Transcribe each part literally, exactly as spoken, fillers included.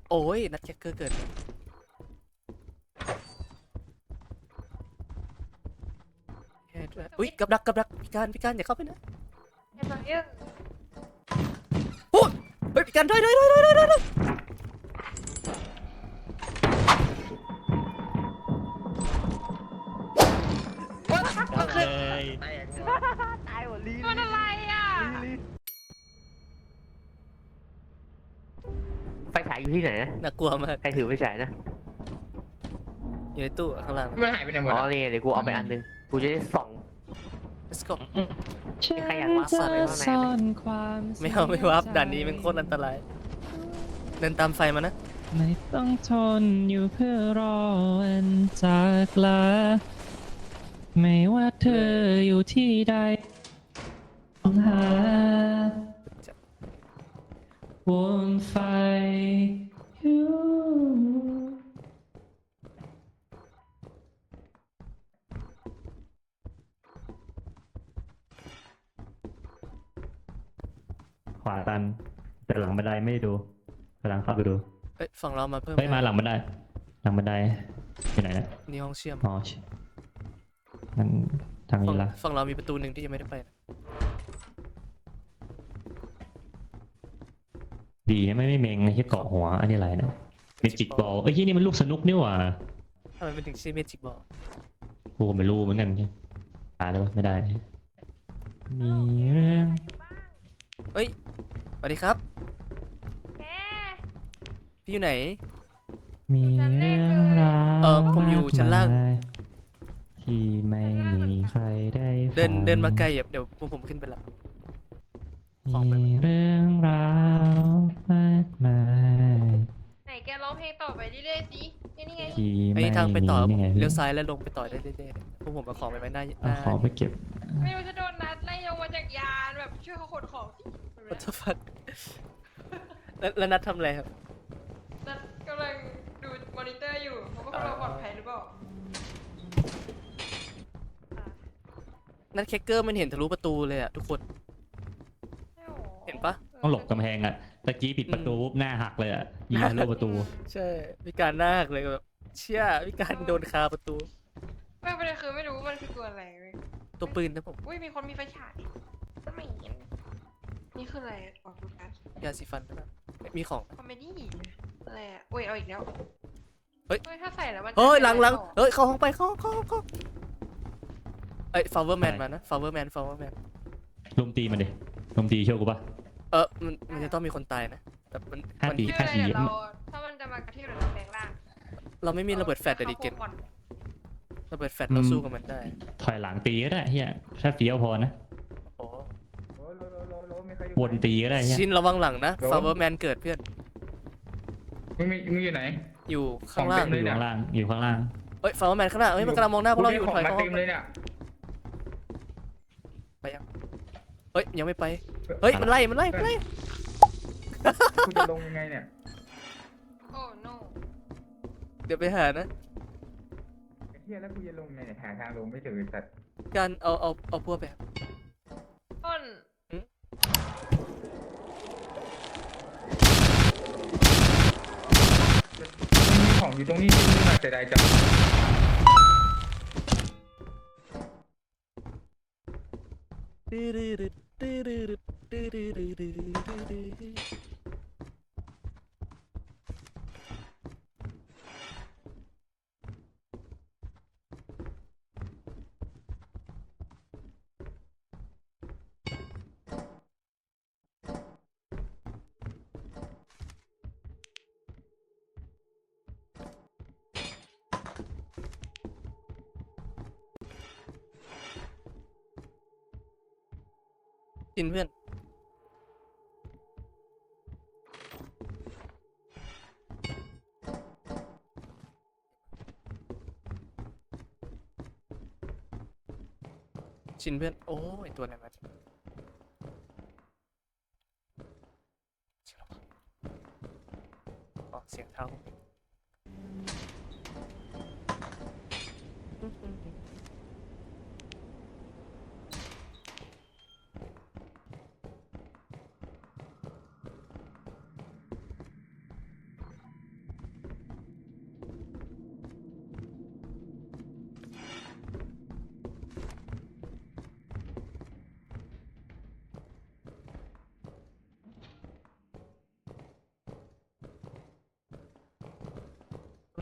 โอ้ยนัดแคคเกอร์เกิดแค่ด้วยอุ้ยกับดักกับดักพี่การพี่การอย่าเข้าไปนะไอ้ตัวเนี้ยโอ้ยเฮ้ยพี่การด้วยด้วยด้วยด้วยด้วยด้วยเอาเลยตายหมดลีมันอะไรอ่ะไฟฉายอยู่ที่ไหนนะน่ากลัวมากใครถือไฟฉายนะอยู่ในตู้ข้างล่างมันหายไปไหนหมดอ๋ออะนี่เดี๋ยวกูเอาไปอันนึงกูจะได้ส่อง let's go ใครอยากวาร์ปเข้าไปข้างในไหมไม่เอาไม่วับด่านนี้เป็นโคตรอันตรายเดินตามไฟมานะไม่ต้องทนอยู่เพื่อรอวันจากลาไม่ว่าเธออยู่ที่ใดต้องหาวนไฟอยู่ขวาตันแต่หลังบันไดไม่ได้ดูกำลังเข้าไปดูเอ้ยฝั่งเรามาเพิ่มเฮ้ยมาหลังบันไดหลังบันไดอยู่ไหนนะนี่ห้องเชื่อมอ๋อมันทางฝั่นี้งละฝั่งเรามีประตูหนึ่งที่ยังไม่ได้ไปนะดีนะไม่ไม่เมงไอ้ที่เกาะหัวอันนี้อะไรนะเมจิกบอลเอ้ยที่นี่มันลูกสนุกนี่หว่าทำไมเป็นถึงชื่อเมจิกบอลกูก็ไม่รู้เหมือนกันตายได้ปะไม่ได้มีเรื่องเฮ้ยสวัสดีครับแกพี่อยู่ไหนมีเรื่องราวเออผมอยู่ชั้นล่างมกมยที่ไม่มีใครได้เดินฟังเดินมาไกลเดี๋ยวพวกผมขึ้นไปละ ของไปมีเรื่องราวมากมายไหนแกร้องเพลงต่อไปเรื่อยๆสินี่นี่ไงที่ไอ้ไม่ทางไปต่อมีนี่ไงเลี้ยวซ้ายแล้วลงไปต่อได้เรื่อยๆพวกผมเอาของไปไว้หน้าหเอาน้าของไปเก็บไม่รู้จะโดนนัดไล่ลงมาจากยานแบบช่วยเขาขนของสิวัตถุฟัดแล้วแล้วนัดทำอะไรครับนัดกำลังดูมอนิเตอร์อยู่เขาว่าพวกเราปลอดภัยหรือเปล่านัดแคคเกอร์มันเห็นทะลุประตูเลยอะทุกคนใช่หรอเห็นปะต้องหลบกำแพงอ่ะตะกี้ปิดประตูปุ๊บหน้าหักเลยอ่ะยิงทะลุประตูใช่พิการหน้าหักเลยแบบเชี่ยพิการโดนคาประตูไม่ประเด็นคือไม่รู้ว่ามันคือตัวอะไรเว้ยตัวปืนนะผมอุ้ยมีคนมีไฟฉายไม่เห็นนี่คืออะไรออกดูกันยาสีฟันนะมีของคอมเมดี้อะไรอ่ะโอ้ยเอาอีกแล้วเฮ้ยถ้าใส่แล้วมันจะเฮ้ยหลังหลังต่อเฮ้ยเข้าห้องไปเข้าเข้าเข้าเอ้ยฟาวเวอร์แมนมานะฟาวเวอร์แมนฟาวเวอร์แมนลุมตีมันดิลุมตีเชื่อกูปะเออมันมันจะต้องมีคนตายนะแต่มันห้ามันตีชื่ออะไรเดี๋ยวเราถ้ามันจะมากระทืบเดี๋ยวเราแปลงร่างเราไม่มีระเบิดแฟลชแต่ดิเกนอาพวก่อนระเบิดแฟลชเราสู้กับมันได้ถอยหลังตีก็ได้เฮียแค่เฟี้ยวพอนะโอ้โอ้โหโลโลโลโลมีใครอยู่วนตีก็ได้เฮียชินระวังหลังนะฟาวเวอร์แมนเกิดเพื่อนมึงมีมึงอยู่ไหนอยู่ข้างล่างของเต็มอยู่ข้างล่างอยู่ข้างล่างเฮ้ยฟาวเวอร์แมนข้างหน้าเฮ้ยมันกำลังมองหน้าพวกเราอยู่ของถอยมาเข้าห้เต็องมเลยเนี่ยไปยังเฮ้ยยังไม่ไปเฮ้ยมันไล่มันไล่มันไล่กูจะลงยังไงเนี่ยโอ้ no เดี๋ยวไปหานะไอ้เหี้ยแล้วกูจะลงยังไงเนี่ยหาทางลงไม่เจอไอ้สัตว์การเอาเอาเอาพวกไปครับต้นมันมีของอยู่ตรงนี้นี่มาแต่ใดจังชินเพื่อนชินเพื่อนโอ้ยตัวอะไรมาชินระวังอ๋อเสียงเท้า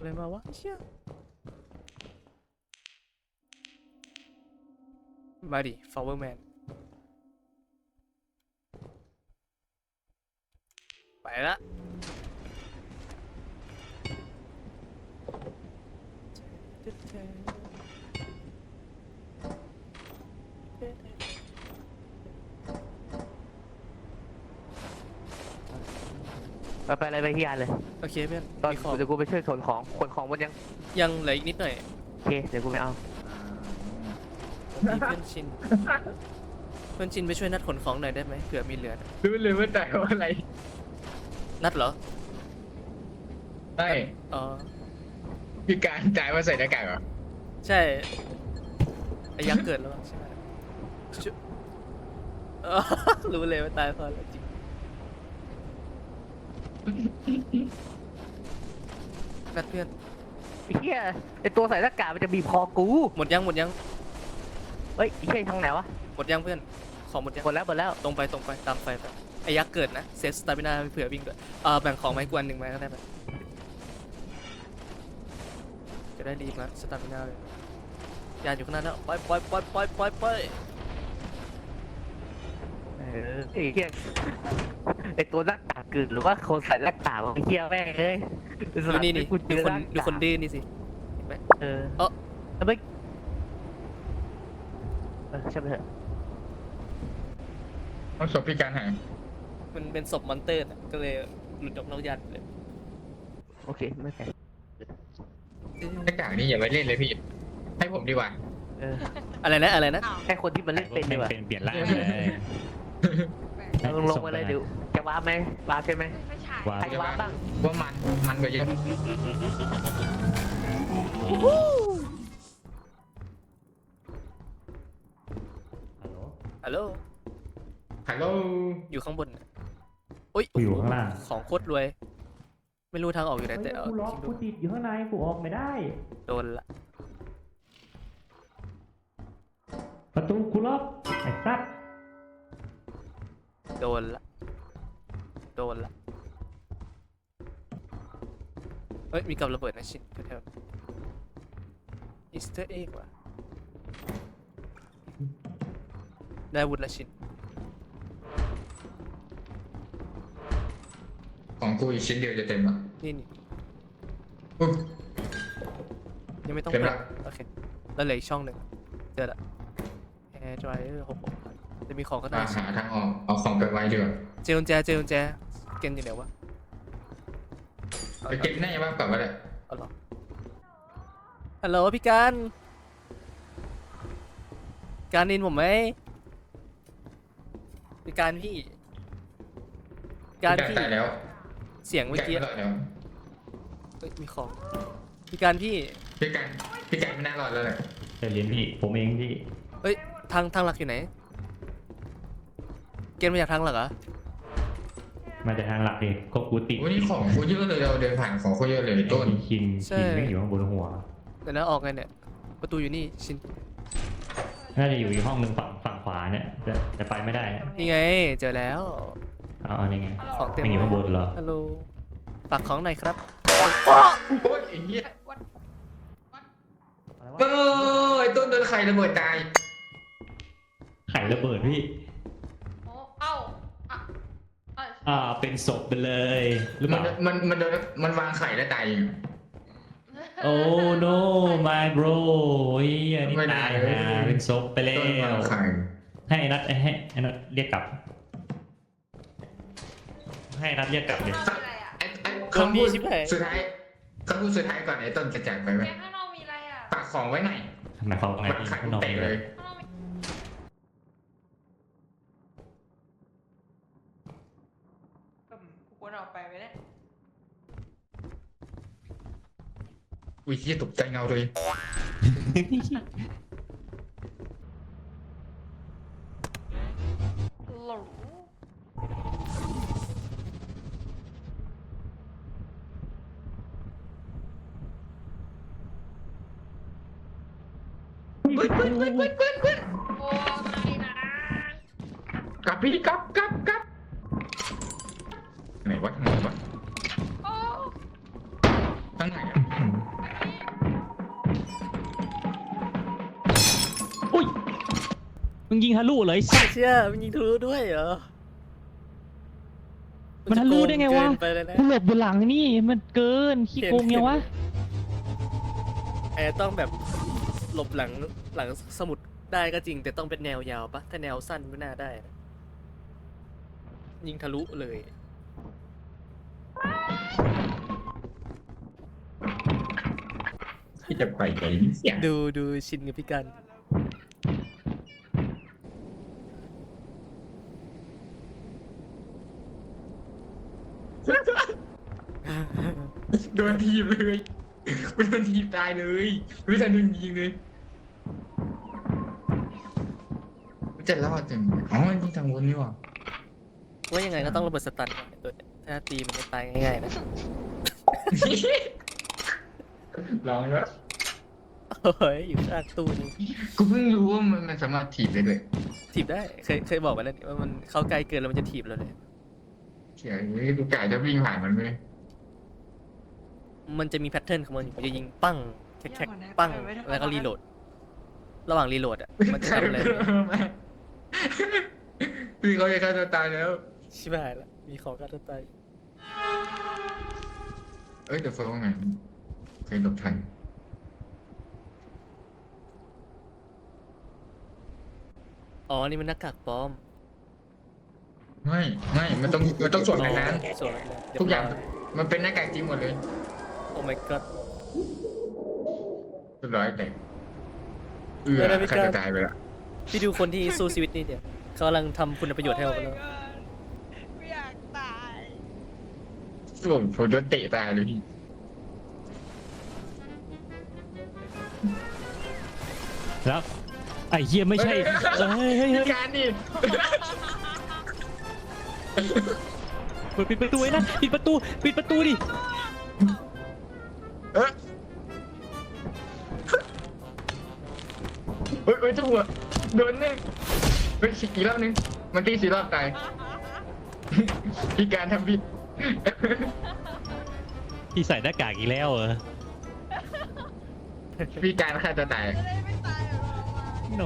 อะไรมาวะเชี่ยมาดิ Flower Man ไปละไปไปอะไรไปที่ยานเลยโอเคเพื่อนตอนมีของเดี๋ยวกูไปช่วยขนของขนของหมดยังยังเหลืออีกนิดหน่อยโอเคเดี๋ยวกูไปเอามีเพื่อนชิน เพื่อนชินไปช่วยนัดขนของหน่อยได้ไหมเผื่อมีเหลือรู้เลยว่าแต่ว่าอะไรนัดเหรอใช่อ๋อคือการจ่ายว่าใส่หน้ากากเหรอใช่ไอ้ยักษ์เกิดแล้วใช่ไหมชุเออรู้เลยว่าตายเพราะอะไรจริงนัดเพื่อนไอ้เหี้ยไอตัวใส่หน้ากากมันจะบีบคอกูหมดยังหมดยังเฮ้ยไอ้เหี้ยทางไหนวะหมดยังเพื่อนของหมดยังหมดแล้วหมดแล้วตรงไปตรงไปตามไฟไปไอ้ยักษ์เกิดนะเซฟสตามินาเผื่อวิ่งด้วยเออแบ่งของไม้กวนหนึ่งไม้ก็ได้ไหมจะได้รีบนะสตามินาเลยยานอยู่ข้างหน้าแล้วไปไปไปไปไปไปเออไอ้เหี้ยไอตัวหน้ากากกึ่หรือว่าคนใส่หน้ากากวะไอ้เหี้ยแม่งเลยดูนี่นี่กูเจดูอคนหาดูกากคนดื้อนี่สิเห็นไหมเออเอ้อแล้วไม่เออใช่ไหมเถอะเอาศพพิการหายมันเป็นศพมอนเตอร์น่ะก็เลยหลุดออกนอกยานไปเลยโอเคไม่แพ้หน้ากากนี่อย่าไปเล่นเลยพี่ ให้ผมดีกว่าเอออะไรนะอะไรนะอ้าวให้คนที่มันเล่นเป็นดีกว่าเป็นเปลี่ยนร่างเลยเอาลงลงมาเลยเดี๋ยวจะว้าร์ปไหมว้าร์ปใช่ไหมไม่ใช่ว้าใครว้าร์ปบ้างว่ามัน มันกว่าเยอะฮัลโหลฮัลโหลอยู่ข้างบนน่ะโอ้ยกูอยู่ข้างล่างของโคตรรวย ไม่รู้ทางออกอยู่ไหนแต่เอากูล็อกจริงกูด้วยติดอยู่ข้างในกูออกไม่ได้โดนละประตูกูล็อกไอ้สัตว์โดนละโดนละเฮ้ยมีกับระเบิดนะชินแถวๆอีสเตอร์เอ็กว่ะได้อาวุธละชินของกูอีกชิ้นเดียวจะเต็มอ่ะนี่นี่อุ๊ยยังไม่ต้องเต็มเปิละดโอเคแล้วเหลืออีกช่องหนึ่งเจอละแอร์ดรายเออร์หกหกจะมีของก็ได้มาหาทางออก เอาของไปไว้ดีกว่าเจลกุญแจเจลกุญแจเกนอยู่ไหนวะเอาไปเก็บหน้าบ้างกลับมาเลยเอาเหรอฮัลโหลพี่การการนินผมไหมพี่การพี่การพิพี่ตายแล้วเสียงเมื่อแกะกี้ไม่รอดแล้วเอ้ยมีของพี่การพี่พี่การพี่การไม่น่ารอดแล้วแหละเดี๋ยวเรียนพี่ ผมเองพี่เอ้ยทางทางหลักอยู่ไหนเกณฑ์มาจากทางหลักเหรอมาจากทางหลักเองก็กูติดวันนี้ของกูเยอะเลยเราเดินผ่านของกูเยอะเลยต้นมีคินคินไม่งอยู่ข้างบนหัวเดี๋ยวนะออกไงเนี่ยประตูอยู่นี่ชินน่าจะอยู่อีกห้องหนึ่งฝั่งฝั่งขวาเนี่ยแต่แต่ไปไม่ได้นี่ไงเจอแล้วเอาเอานี่ไงของเต็มไม่อยู่ข้างบนเหรอฮัลโหลฝากของหน่อยครับโอ้ยไอ้เหี้ยวัดเอ้ยต้นโดนไข่ระเบิดตายไข่ระเบิดพี่โอ้เอ้าอ่ะเอ้ยอ่าเป็นศพไปเลยหรือเปมันล่ามันมันโดนมันวางไข่แล้วตายเองโอ้ no my bro เฮ้ยอันนี้ไม่ได้ตายนะเป็นศพไปแล้ต้นวางวไข่ให้ไอ้นัทให้ไอ้นัทเรียกกลับ ให้ไอ้นัทเรียกกลับเลยข้างนอกมีอะไรอ่ะไอ้ไอ้เครื่องคำดีพูดชิบหายสุดท้ายคำพูดสุดท้ายก่อนไอ้ต้นจะจากไปไหมแกข้างนอกมีอะไรอ่ะฝากของไว้หน่อยหมายความว่าไงมันพี่ไข่ข้างนอกเตะมีเลเลย ยข้างนอกมีกูควรออกไปไหมเนี่ยอุ้ยที่ตกใจเงาเลยหลงเฮ้ยเฮ้ยเฮ้ยเฮ้ยเฮ้ยเฮ้ยโอ้ไม่นะกลับพี่กลับกลับกลับไหนวะทางไหนวะโอ้ทางไหนอะอืมมึงยิงทะลุเลยไม่เชื่อมันยิงทะลุด้วยเหรอมันทะลุได้ไงวะเกินไปเลยนะกูหลบอยู่หลังนี่มันเกินขี้โกงไงวะแอร์ต้องแบบหลบหลังหลังสมุดได้ก็จริง แต่ต้องเป็นแนวยาวปะถ้าแนวสั้นไม่น่าได้นะยิงทะลุเลยที่จะไปไหนเสียงดูดูชินกับพี่กันโดนทีบเลยกูโดนทีบตายเลยไม่ทันโดนยิงเลยจะรอดจังอ๋อที่ทางวนนี่หว่าว่ายังไงก็ต้องระเบิดสตันก่อนไอ้ตัวเนี้ยถ้าตีมันจะตายง่ายๆนะลองแล้วเฮ้ยอยู่ข้างตู้นี่กูเพิ่งรู้ว่ามันมันสามารถถีบได้ด้วยถีบได้เคยเคยบอกไปแล้วนี่ว่ามันเข้าใกล้เกินแล้วมันจะถีบเราเลยเฉยกูกะจะวิ่งผ่านมันเลยมันจะมีแพทเทิร์นของมันอยู่มันจะยิงปั้งแคกๆปั้งแล้วก็รีโหลด ระหว่างรีโหลดอ่ะมันจะทำอะไรเลยพี่เขาจะฆ่าตัวตายแล้วชิบหายละมีของการตายเอ้ยเดี๋ยวเฟิร์สว่าไงเคยหลบทันอ๋อนี่มันหน้ากากปลอมไม่ไม่มันต้องมันต้องสวมในนั้นสวมในนั้นทุกอย่างมันเป็นหน้ากากจริงหมดเลยโอ้ my god เรียบร้อยแต่เอื้อฆ่าตัวตายไปละพี่ดูคนที่สู้ชีวิตนี่เดี๋ยวเขากำลังทำคุณประโยชน์ให้เราไปแล้วไม่อยากตายผมผมโดนเตะตายเลยพี่แล้วไอ้เหี้ยไม่ใช่เฮ้ยเฮ้ยเฮ้ยการนี่เปิดปิดประตูไว้นะปิดประตูปิดประตูดิเออเฮ้ยเฮ้ยเจ้าหัวโดนแน่เฮ้ยกี่รอบนึงมันตีสี่รอบตายพี่การทำผิดพี่ใส่หน้ากากอีกแล้วเหรอพี่การฆ่าตัวตายจะได้ไม่ตายกับเราอ่ะโน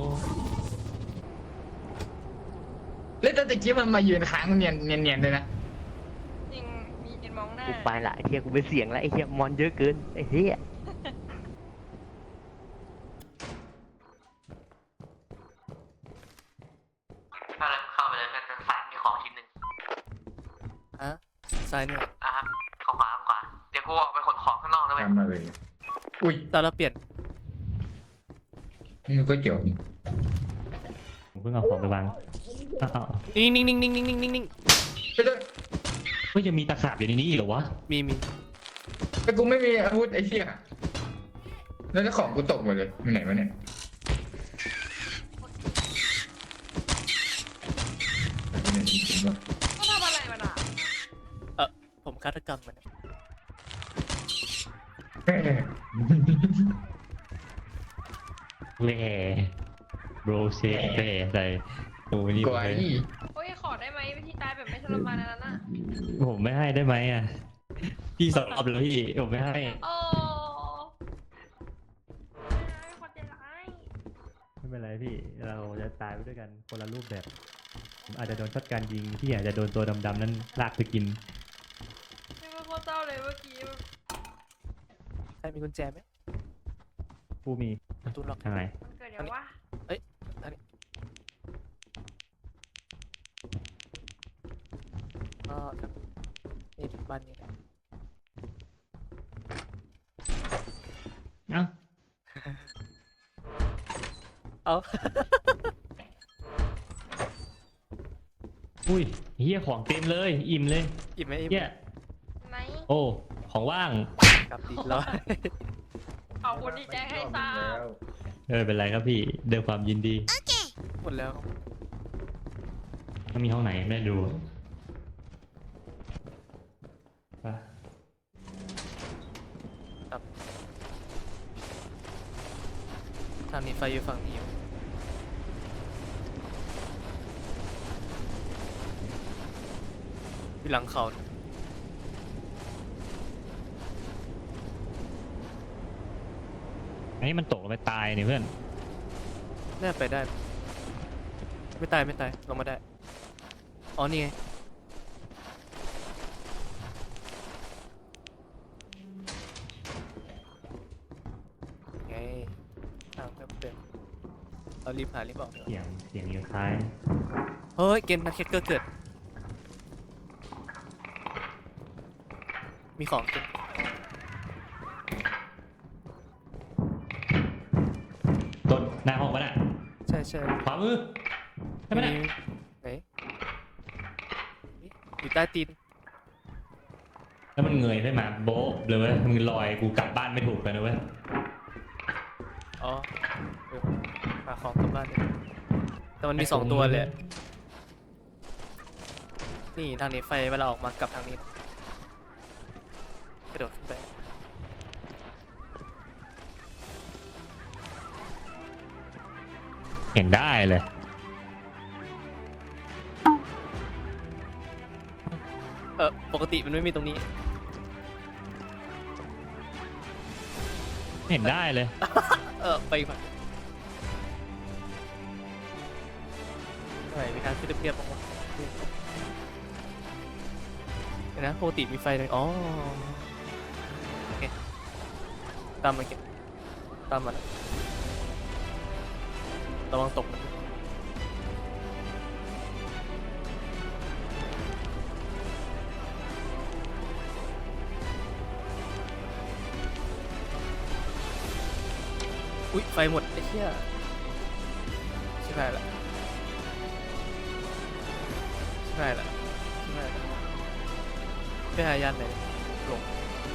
แล้วตอนตะกี้มันมายืนค้างเนียนเนียนเนียนเลยนะจริงมีกินมองหน้ากูไปละไอ้เฮียกูเป็นเสียงแล้วไอ้เฮียมอนเยอะเกินไอ้เฮียเข้าไปเลยเป็นสายมีของชิ้นหนึ่งฮะซ้ายเนี่ยอ่ะครับขวาขวาเดี๋ยวกูออกไปขนของข้างนอกนะเว้ยทำมาเลย อุ้ยตอนเราเปลี่ยนนี่มันก๋วยเตี๋ยวนี่ผมเพิ่งเอาของไปวางอ้าวนิ่งนิ่งนิ่งนิ่งนิ่งนิ่งนิ่งนิ่งไปเลยเฮ้ยยังมีตะขาบอยู่ในนี้อีกเหรอวะมีมีแต่กูไม่มีอาวุธไอ้เหี้ยแล้วเจ้าของกูตกหมดเลยอยู่ไหนวะเนี่ยเขาทำอะไรมันอ่ะเออผมฆาตกรรมมันอะแม่แหล่โบรเซแหล่ใส่โอ้นี่กวายโอ้ยขอได้ไหมวิธีตายแบบไม่ทรมานอันนั้นอ่ะผมไม่ให้ได้ไหมอ่ะพี่สอบแล้วพี่ผมไม่ให้โอ้ไม่คนใจร้ายไม่เป็นไรพี่เราจะตายไปด้วยกันคนละรูปแบบผมอาจจะโดนช็อตการยิงพี่อาจจะโดนตัวดำๆนั้นลากไปกินไม่ว่าโคตรเศร้าเลยเมื่อกี้ใครมีกุญแจไหมผู้มีประตูล็อกทางไหนมันเกิดอย่างว่าอันนี้ก็ครับนี่บ้านนี้นะเอ้าเอาอุ้ยเฮียของเต็มเลยอิ่มเลยอิ่มไหมอิ่มเฮียไหนโอ้ของว่างครับดีร้อยขอบคุณที่แจ้งให้ทราบเออเป็นไรครับพี่เดินความยินดีหมดแล้วมันมีห้องไหนไม่ได้ดูไปทางนี้ไฟอยู่ฝั่งนี้อยู่อยู่หลังเขานะอันนี้มันตกลงไปตายนี่เพื่อนน่าไปได้ไม่ตายไม่ตายลงมาได้อ๋อนี่ไงไงทางเพิ่มเติมเรารีบหารีบออกดีกว่าเสียงเสียงยังคล้ายเฮ้ยเกมนักแคคเกอร์เกิดมีของเกินต้นหน้าห้องวะน่ะใช่ใช่ขวามือใช่ไหมน่ะไหนอยู่ใต้ตีนแล้วมันเงยขึ้นมาโบ๊ะเลยเว้ยมึงลอยกูกลับบ้านไม่ถูกเลยนะเว้ยอ๋อเออหาของกลับบ้านเลยแต่มันมีสองตัวเลยอะนี่ทางนี้ไฟเวลาออกมากลับทางนี้กระโดดขึ้นไปเห็นได้เลยเออปกติมันไม่มีตรงนี้เห็นได้เลยเออไปอีกฝั่งไหนมีทางขึ้นเรียบๆบ้างวะเดี๋ยวนะปกติมีไฟเลยอ๋อโอเคตามมาเก็บตามมาแล้วระวังตกนะอุ๊ยไฟหมดไอ้เหี้ยชิบหายละชิบหายละชิบหายละไปหายานไหนหลง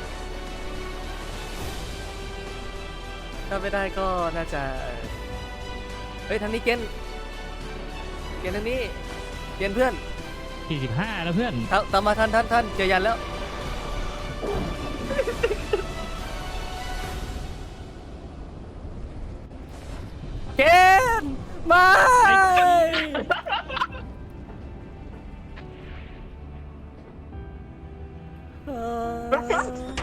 ถ้าไม่ได้ก็น่าจะเฮ้ยทางนี้เกณฑ์เกณฑ์ทางนี้เกณฑ์เพื่อนสี่สิบห้าแล้วเพื่อนตามตามมาทันทันทันเจอยันแล้วเกณฑ์ไม่เออ